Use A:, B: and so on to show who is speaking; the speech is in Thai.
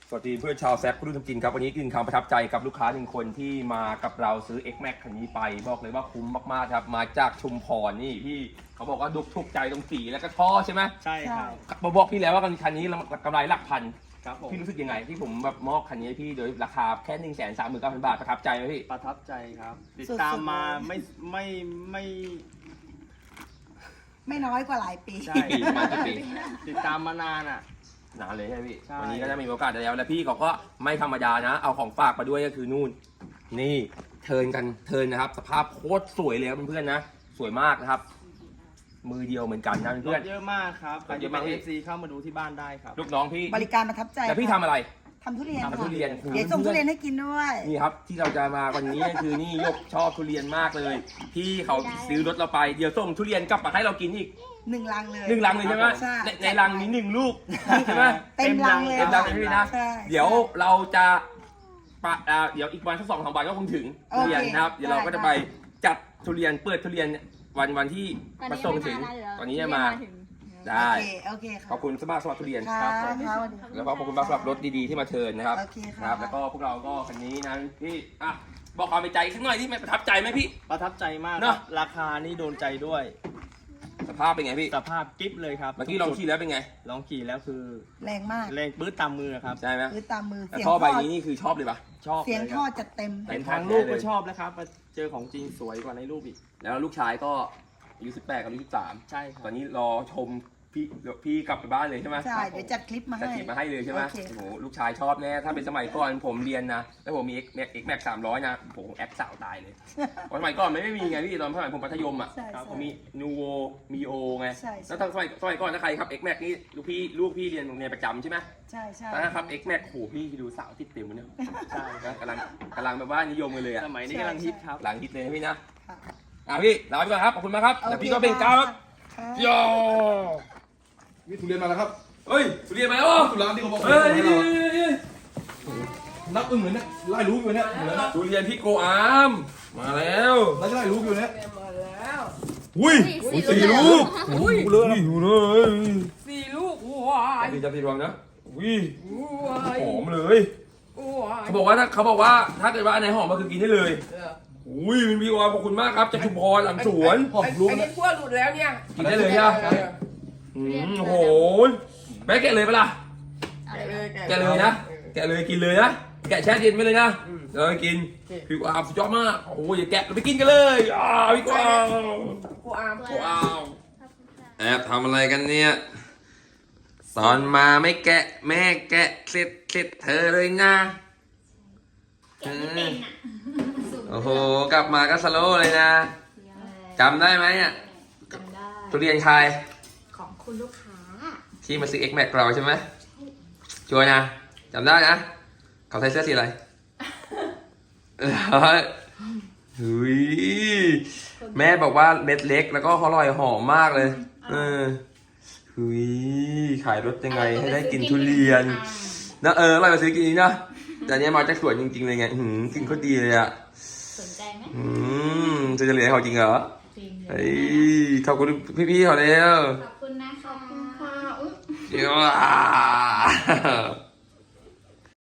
A: สวัสดีเพื่อนชาวแซฟผู้รู้ทำกินครับวันนี้กินคำประทับใจกับลูกค้าหนึ่งคนที่มากับเราซื้อ X Max คันนี้ไปบอกเลยว่าคุ้มมากๆครับมาจากชุมพรนี่พี่เขาบอกว่าดุกถูกใจตรงสีแล้วก็ท่อใช่ไหม
B: ใช่ครับ
A: มาบอกพี่แล้วว่าคันนี้กำไรหลักพัน
B: ครับผม
A: พี่รู้สึกยังไงที่ผมแบบมอบคันนี้ให้พี่โดยราคาแค่139,000 บาทประทับใจไหมพี่
B: ประทับใจครับ ติด
C: สุดๆ
B: ตามมา
C: เลย ไม่น้อยกว่าหลายปี
B: ใช่
A: กี่ปีประมาณกี่ปี
B: ติดตามมานานอ่ะ
A: นานเลยใช่ไหมพี่
B: ใช่
A: วันนี้ก็ได้มีโอกาสแล้วและพี่เขาก็ไม่ธรรมดานะ เอาของฝากมาด้วยก็คือนู่นนี่เทิร์นนะครับสภาพโคตรสวยเลยครับเพื่อนๆนะสวยมากนะครับ มือเดียวเหมือนกันนะ
B: ร
A: เพื่อ
B: ถ
A: น
B: เยอะมากครับ
A: รถเยอะมาก
B: เอฟซีเข้ามาดูที่บ้านได้ครับ
A: ลูกน้องพี่
C: บริการประทับใจ
A: แต่พี่ทำอะไร
C: ทำทุเรียน
A: ทำทุเรียน
C: เดี๋ยวส่งทุเรียนให้กินด้วย
A: นี่ครับที่เราจะมาวันนี้คือนี่ยกชอบทุเรียนมากเลย พี่เขาซื้อรถเราไปเดี๋ยวส่งทุเรียนกลับมาให้เรากินอีก
C: 1 ลังเลย
A: 1 ลังเลยใช่ไหม
C: ใช่
A: ในลังมี1 ลูกใช่ไหม
C: เต็มลังเลย
A: เต็มลังเลยพี่นะ
C: ใช่
A: เดี๋ยวเราจะเดี๋ยวอีกวันสัก2-3 วันก็คงถึงทุเรียนนะครับเดี๋ยวเราก็จะไปจัดทุเรียนเปิดทุเรียนวันที่มาส่งถึงตอนนี้จะมาได้
C: โอเคค่ะ
A: ขอบคุณสมาร์ทสวัสดิ์ทุเรียน
C: ค่ะ
A: ครับผม
C: ค่ะสวัสดี
A: แล้วก็ขอบคุณมากสำหรับรถดีๆที่มาเชิญนะครับ
C: โอเคค่ะ
A: ครับแล้วก็พวกเราก็คันนี้นะพี่บอกความในใจสักหน่อยที่ไม่ประทับใจไหมพี่
B: ประทับใจมาก
A: เน
B: ค
A: อะ
B: รับราคานี่โดนใจด้วย
A: สภาพเป็นไงพี่
B: สภาพกิ๊บเลยครับ
A: เมื่อกี้ลองขี่แล้วเป็นไง
B: ลองขี่แล้วคือ
C: แรงมาก
B: แรงปื้ดตามมือครับ
A: ใช่ไหม
C: คือตามมือ
A: แต่
C: เสียง
A: ท่อ
C: ท
A: ใบ
C: อด
A: นี้นี่คือชอบเลยปะ
B: ชอบ
C: เสียง
B: ล
C: ทอ
B: ค
C: ด
B: รับ
C: จัดเต็ม
B: เห็นทางรูปก็ชอบแล้วครับมาเจอของจริงสวยกว่าในรูปอีก
A: แล้วลูกชายก็อายุ18กับอายุ13
B: ใช่ครับ
A: ตอนนี้รอชมพี่กลับไปบ้านเลยใช่ไหม
C: ใช่เดี๋ยวจัดคลิปมา
A: จะ
C: ให้
A: ถีบมาให้เลยใช่ไหม
C: โอเค
A: โอ้โหลูกชายชอบแน่ถ้าเป็นสมัยก่อนผมเรียนนะแล้วผมมี X Max 300นะโอ้โหแอปสาวตายเลยเพราะสมัยก่อนไม่มีไงพี่ตอนสมัยผมมัธยมอ่ะ
C: ใช่
A: ครับ
C: ใช่
A: ผมมีนูโวมีโอไง
C: ใช่ใช่
A: แล้วทางสมัยก่อนถ้าใครครับ X Max นี่ลูกพี่เรียนโรงเรียนประจำใช่ไหม
C: ใช่ใช่
A: ตอนนั้นครับ X Max โหพี่ดูสาวติดเต็มเลยเนี่ยใช่นะกำลังแบบว่านิยมกันเลยอ่ะ
B: สมัยนี้กำลังฮิตครับ
A: หลังฮิตเลยนะพี่นะ
C: ค่ะ
A: พี่ลาไปก่อนครับขอบคุณมากครับเดี๋ยวพี่ก็เป็นก้าวครับ
C: ค่ะ
A: โย่
D: มีทุเรียนมาแล้วครับ
A: เฮ้ยสุเรียนมาแล้วเหรอ
D: ทุร้านที่เขาบอก
A: เฮ้ย
D: ให้เรานับอึ้งเลยเนี่ยไล่รู้อยู่เนี่ยเหมือนนะ
A: ทุเรียนพี่โกอามมาแล้ว
D: ไล่รู้อยู่เนี่ย
A: อุ้ย
E: สี่ลูก
A: อุ้ยเลยอยู่เลย
E: 4 ลูกว้าย
A: พี่จะพี่รวมนะอุ้ย
E: ว้าย
A: หอมเลย
E: ว้าย
A: เขาบอกว่าถ้าเกิดว่าอันไหนหอมก็คือกินได้เลยอุ้ยพี่โกอามขอบคุณมากครับจากชุมพรหลังสวน
D: หอมรู้
E: อัน
D: เนี่
E: นี้
D: ย
E: ขั้วหลุดแล้วเนี่ย
A: กินได้เลยใช่ไหมโอ้โหแม่แกะเลยปะล่ะ แกะเลยนะแกะเลยกินเลยนะแกะแช่เย็นไปเลยนะเลยกินพี่โกอามสุดยอดมากโอ้ยอย่าแกะเราไปกินกันเลยพี่โกอาม
E: กูอาม
A: ว้าวแอบทำอะไรกันเนี่ยสอนมาไม่แกะแม่แกะเสร็จเธอเลยนะโอ้โหกลับมาก็สโลว์เลยนะจำได้ไหมอ่ะ
F: จำได้
A: ทุเรียนใคร
F: ของคุณลูกค้า
A: ที่มาซื้อ X Max เราใช่ไหมชัวร์นะจำได้นะเขาใส่เสื้อสีอะไรหุยแม่บอกว่าเม็ดเล็กแล้วก็อร่อยหอมมากเลยหุยขายรถยังไงให้ได้กินทุเรียนนะอร่อยมาซื้อกินนี้นะแต่เนี้ยมาจากสวนจริงๆเลยไงกินโคตรดีเลยอ่ะ
F: สนใจไหม
A: จะเหลือให้เขาจริงเหรอ
F: จริงเล
A: เฮ้
F: ย
A: ยขอบคุณพี่ๆเขาแล้ว
F: ขอบคุณนะคะ
E: ค่ะอุ๊ย
A: เดี๋ยว